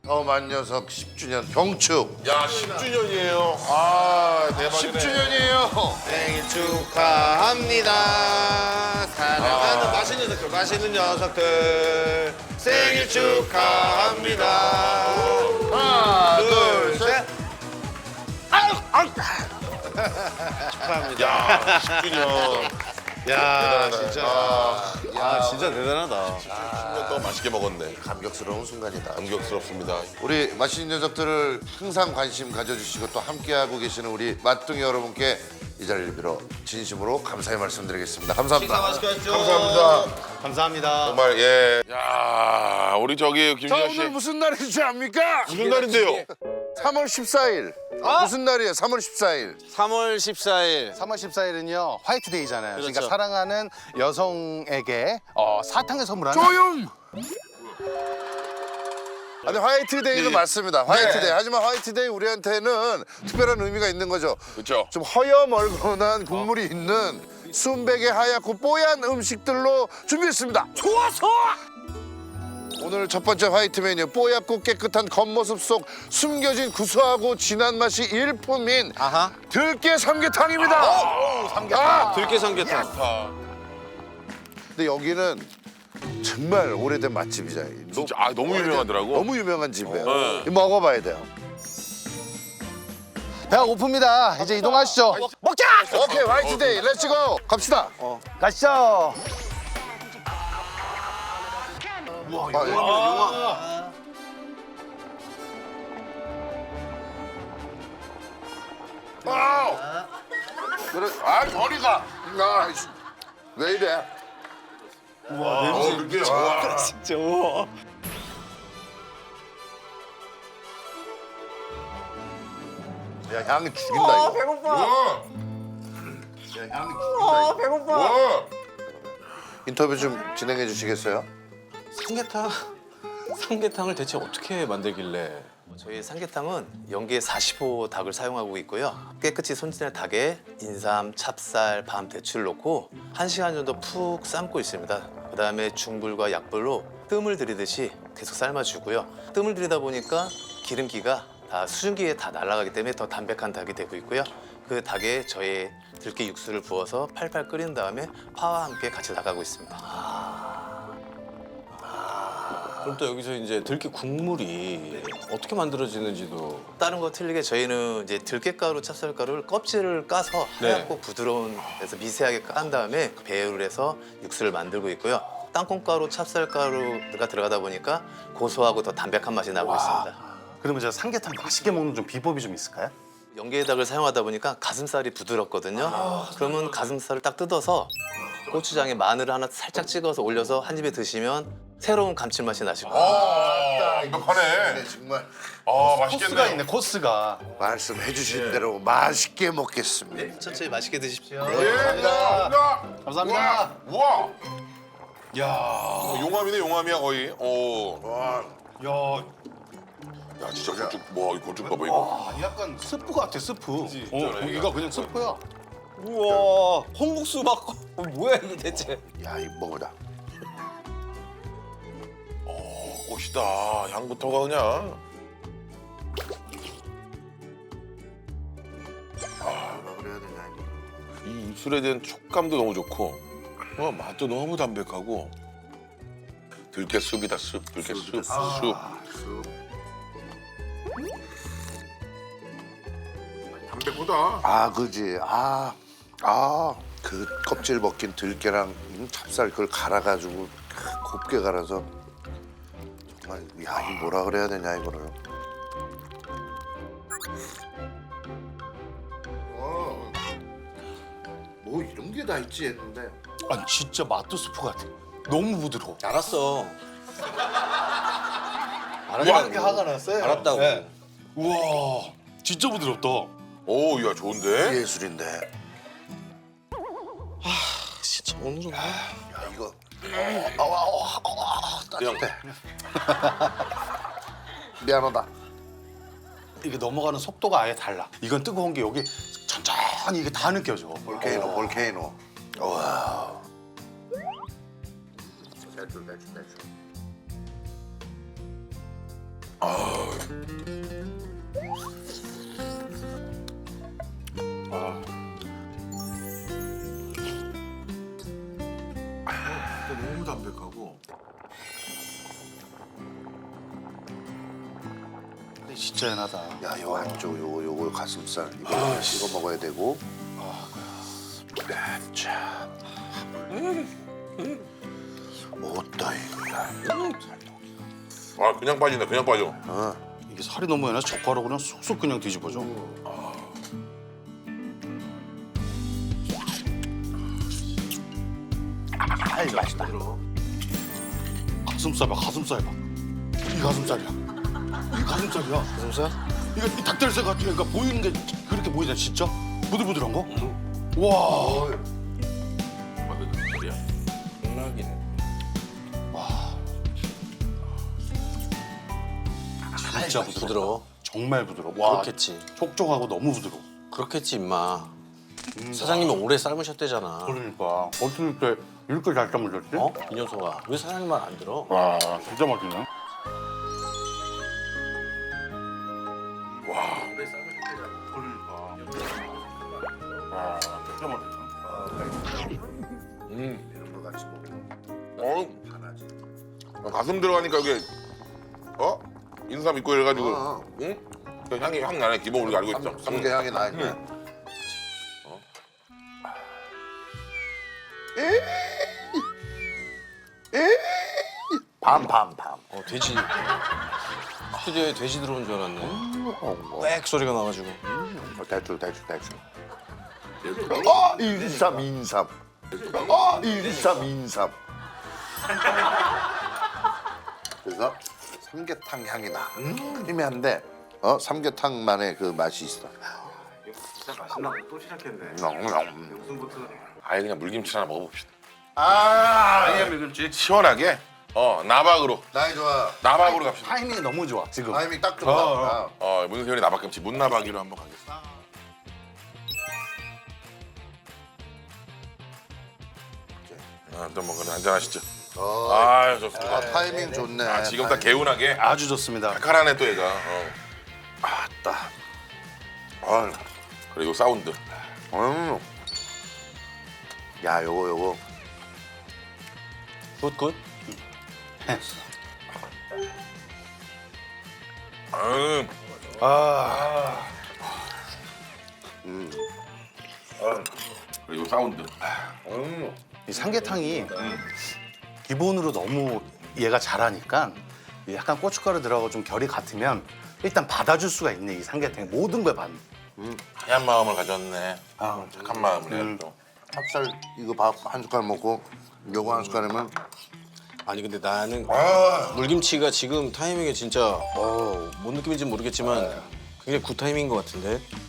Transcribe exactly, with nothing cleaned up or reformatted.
더만 녀석 십 주년 경축. 야, 십 주년이에요. 아, 대박이네. 십 주년이에요. 생일 축하합니다. 사랑하는 아. 맛있는 녀석들, 맛있는 녀석들. 생일 축하합니다. 하나, 둘, 셋. 야, 십 주년. 야, 대단하다. 진짜. 아, 야, 진짜 대단하다. 십 년 동안 맛있게 먹었네. 감격스러운 순간이다. 감격스럽습니다. 우리 맛있는 녀석들을 항상 관심 가져주시고 또 함께하고 계시는 우리 맛둥이 여러분께 이 자리를 빌어 진심으로 감사의 말씀드리겠습니다. 감사합니다. 감사합니다. 감사합니다. 정말 예. 야, 우리 저기 자, 김진아 씨 오늘 무슨 날인지 압니까? 무슨 날인데요? 삼월 십사일. 무슨 날이에요? 삼월 십사일. 삼월 십사일. 삼월 십사일은요 화이트데이잖아요. 그러니까 그렇죠. 사랑하는 여성에게 어, 사탕을 선물하는. 조용! 아니 화이트데이는 맞습니다. 화이트데이. 하지만 화이트데이 우리한테는 특별한 의미가 있는 거죠. 그렇죠. 좀 허여멀건한 국물이 있는 순백의 하얗고 뽀얀 음식들로 준비했습니다. 좋아서! 오늘 첫 번째 화이트 메뉴 뽀얗고 깨끗한 겉모습 속 숨겨진 구수하고 진한 맛이 일품인 아하. 들깨 삼계탕입니다. 오, 삼계탕. 아! 들깨 삼계탕. 아, 근데 여기는 정말 오래된 맛집이잖아요. 진짜 아, 너무 유명하더라고. 너무 유명한 집이에요. 네. 이거 먹어봐야 돼요. 배가 고픕니다. 이제 이동하시죠. 먹자. 오케이 화이트데이 렛츠고 갑시다. 가시죠. 아, 예. 아, 그래, 아 저리가. 아, 씨. 왜 이래? 와, 냄새 그게 와. 진짜 우와. 야 향이 죽인다 이거. 배고파. 와, 야 향이 아, 죽인다. 배고파. 와. 인터뷰 좀 진행해 주시겠어요? 삼계탕, 삼계탕을 대체 어떻게 만들길래? 저희 삼계탕은 연계 사십오 닭을 사용하고 있고요. 깨끗이 손질한 닭에 인삼, 찹쌀, 밤, 대추를 넣고 한 시간 정도 푹 삶고 있습니다. 그다음에 중불과 약불로 뜸을 들이듯이 계속 삶아주고요. 뜸을 들이다 보니까 기름기가 다 수증기에 다 날아가기 때문에 더 담백한 닭이 되고 있고요. 그 닭에 저희 들깨 육수를 부어서 팔팔 끓인 다음에 파와 함께 같이 나가고 있습니다. 그럼 또 여기서 이제 들깨 국물이 어떻게 만들어지는지도. 다른 거 틀리게 저희는 이제 들깨가루, 찹쌀가루를 껍질을 까서 네. 하얗고 부드러운 데서 미세하게 깐 다음에 배율을 해서 육수를 만들고 있고요. 땅콩가루, 찹쌀가루가 들어가다 보니까 고소하고 더 담백한 맛이 나고 있습니다. 그러면 저 삼계탕 맛있게 먹는 좀 비법이 좀 있을까요? 연계닭을 사용하다 보니까 가슴살이 부드럽거든요. 그러면 가슴살을 딱 뜯어서 고추장에 마늘을 하나 살짝 찍어서 올려서 한 입에 드시면 새로운 감칠맛이 나실 거예요. 아, 완벽하네. 네, 정말 아, 코스가 맛있겠네. 있네 코스가. 말씀해 주신 대로 맛있게 먹겠습니다. 천천히 맛있게 드십시오. 예, 감사합니다. 감사합니다. 우와. 야, 용암이네, 용암이야 거의. 오. 야, 야, 진짜 고추, 뭐, 이 고추 봐봐 이거. 아, 약간 스프 같아 스프. 어, 있잖아, 고기가 그냥 스프야. 우와, 홍국수 막 어, 뭐야 이게 대체? 야 이거 먹어다. 어, 꽃이다. 향부터가 그냥. 뭐라 그래야 되냐 이거. 이 입술에 대한 촉감도 너무 좋고, 어, 맛도 너무 담백하고. 들깨 숲이다 숲, 들깨 숲, 숲. 담백하다. 아 그지. 아, 아, 그 껍질 벗긴 들깨랑 찹쌀 그걸 갈아가지고 곱게 갈아서 정말 야 이 뭐라 그래야 되냐 이거를. 어, 뭐 이런 게 다 있지 했는데. 아니 진짜 맛도 스프 같아. 너무 부드러워. 알았어. 이렇게 화가 났어요. 알았다고. 네. 우와, 진짜 부드럽다. 오, 야 좋은데? 예술인데. 진짜 오늘은 야 이거. 아와, 아와, 아와, 따뜻해. 미안하다. 이게 넘어가는 속도가 아예 달라. 이건 뜨거운 게 여기 천천히 이게 다 느껴져. 볼케이노, 볼케이노. 와. 대출, 대출, 대출. 너무 담백하고. 진짜 연하다. 야, 요 안쪽 요거 요거 가슴살 이거 이거 먹어야 되고. 아, 참. 어따 이거야. 아 그냥 빠진다 그냥 빠져. 이게 살이 너무 연해서 젓가락으로 그냥 쏙쏙 그냥 뒤집어져. 아, 맛있다. 가슴살 봐, 가슴살 봐. 이 가슴살이야. 이 가슴살이야. 가슴살? 이거 이 닭다리살 같은 게 그러니까 보이는 게 그렇게 보이잖아, 진짜? 부들부들한 거? 와. 소리야. 음악이네. 진짜 부드러워. 부드러워. 정말 부드러워. 와, 그렇겠지. 촉촉하고 너무 부드러워. 그렇겠지 임마. 사장님이 오래 삶으셨대잖아. 그러니까 어떻게 때 이렇게 잘 삶으셨지? 어? 이 녀석아. 왜 사장님 말 안 들어? 와, 진짜 맛있네. 와, 진짜 맛있다. 어? 어, 가슴 들어가니까 이게 어? 인삼 있고 이래가지고 어. 응? 그 향이 확 나네. 기본 우리가 알고 있죠. 삼계 향이 나 있네. 밤밤밤. 어 돼지. 스튜디오에 돼지 들어온 줄 알았네. 꽥 소리가 나가지고. 대출 대출 대출. 어 인삼 인삼. 어 인삼 인삼. 그래서 삼계탕 향이 나. 크리미한데 어 삼계탕만의 그 맛이 있어. 진짜 맛있나? 또 시작했네. 아예 그냥 물김치 하나 먹어봅시다. 아 아니야, 밀김치. 시원하게 어 나박으로 나이 좋아. 나박으로 갑시다. 타이밍이 너무 좋아, 지금. 타이밍 딱 좋다. 어, 어 문세윤이 나박김치 문나박이로 한번 가겠습니다. 아, 또 뭐 그래 한잔 하시죠. 어, 아 좋습니다. 아, 타이밍 좋네. 아, 지금 딱 개운하게 아주 좋습니다. 칼칼하네 또 얘가. 어. 아따. 아, 그리고 사운드. 음. 야, 요거 요거. 굿굿. 음. 그리고 사운드. 음. 이 삼계탕이 기본으로 너무 얘가 잘하니까 약간 고춧가루 들어가고 좀 결이 같으면 일단 받아줄 수가 있네, 이 삼계탕. 모든 걸 받는. 하얀 마음을 가졌네. 아, 착한 마음을 음. 해 또. 찹쌀 이거 밥 한 숟갈 먹고 요거 한 숟갈이면 아니 근데 나는 물김치가 지금 타이밍에 진짜 어, 뭔 느낌인지 모르겠지만 굉장히 굿 타이밍인 것 같은데.